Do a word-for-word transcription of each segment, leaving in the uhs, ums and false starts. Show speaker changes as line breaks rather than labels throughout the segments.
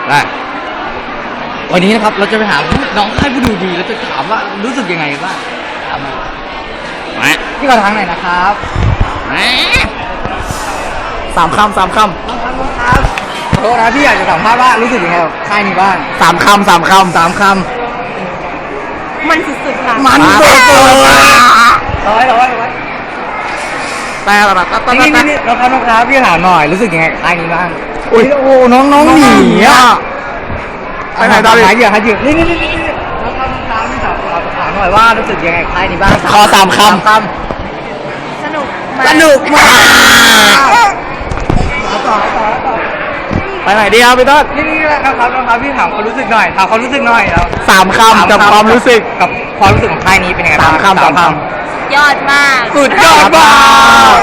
ได้วันนี้นะครับเราจะไปหาน้องค่ายผู้ดูดีแล้วจะถามว่ารู้สึกยังไงบ้างถามมาพี่ขอทางไหนนะครับ
สามคำสามคำ
น้องครับน้องครับขอโทษนะพี่อยากจะสัมภาษณ์ว่ารู้สึกยังไงกับค่ายนี้บ้าง
สามคำสามคำ
สามคำ
มันสุดๆค่ะ
มันสุดๆร้อยร้อยร้อย
แต่ละแบบแต่
นี่นี่นี่น้องครับน้องครับพี่ถามหน่อยรู้สึกยังไงกับค่ายนี้บ้างโอ้ยโอ้น้องน้องหนีอ่ะไปไหนตอนนี้หายเหยื่อหายเหยื่อนี่นี่นี่นี่น้องครับน้องครับพี่ถามถามหน่อยว่ารู้สึกยังไงกับค่ายนี้บ้าง
ขอสามคำ
สนุก
สนุกมากต่อต่อต่อ
ไปไหนดีครับพี่ต้น
นี่นี่นะครับนะครับพี่ถามความรู้สึกหน่อยถามความรู้สึกหน่อยแล้ว
สามคำกับความรู้สึก
กับความรู้สึกของค่ายนี้เป็นยังไง
สามคำสามค
ยอดมาก
สุดยอดมาก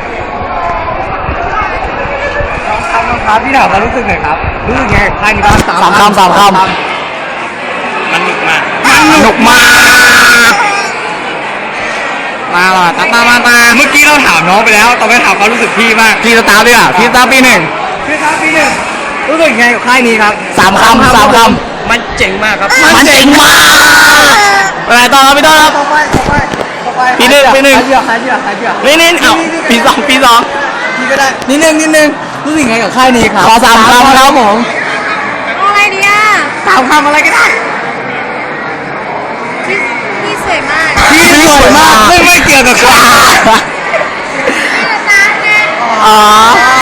น้องครับน้องครับพี่ถามความรู้สึกหน่อยครับรู้สึกยังไงกับค่ายนี้บ้าง
สามคำสามคำ
มันหนุกมาก
มันหนุกมากมาหรอตาตามาตา
เมื่อกี้เราถามน้องไปแล้วต่อไปถามความรู้สึกพี่มาก
พี่สตาร์ด้วยอ่ะพี่สตาร์ปีหนึ่ง
พี่ครับปีหนึ่งรู้สึกยังไงกับค่ายนี้ครับ
สามคำสามคำ
มันเจ๋งมากครับ
มันเจ๋งมากไปไหนต่อครับพี่ต้นครับ
ต่อไปต่อไปต่อไป
ปีหนึ่งปีหนึ่ง
หายเบื่อหายเบื่อหายเบื่อ
นี่นี่เอ้าปีสองปีสอง
พี่ก็ได้นิดนึงนิดนึงรู้สึกยังไงกับค่ายนี้ครับ
ขอสามคำครับผม
อะไรดีอ่ะ
สามคำอะไรก็ได้
พี่พี่สวยมาก
พี่สวยมากไม่ไม่เกี่ยวกับใคร
อ๋อ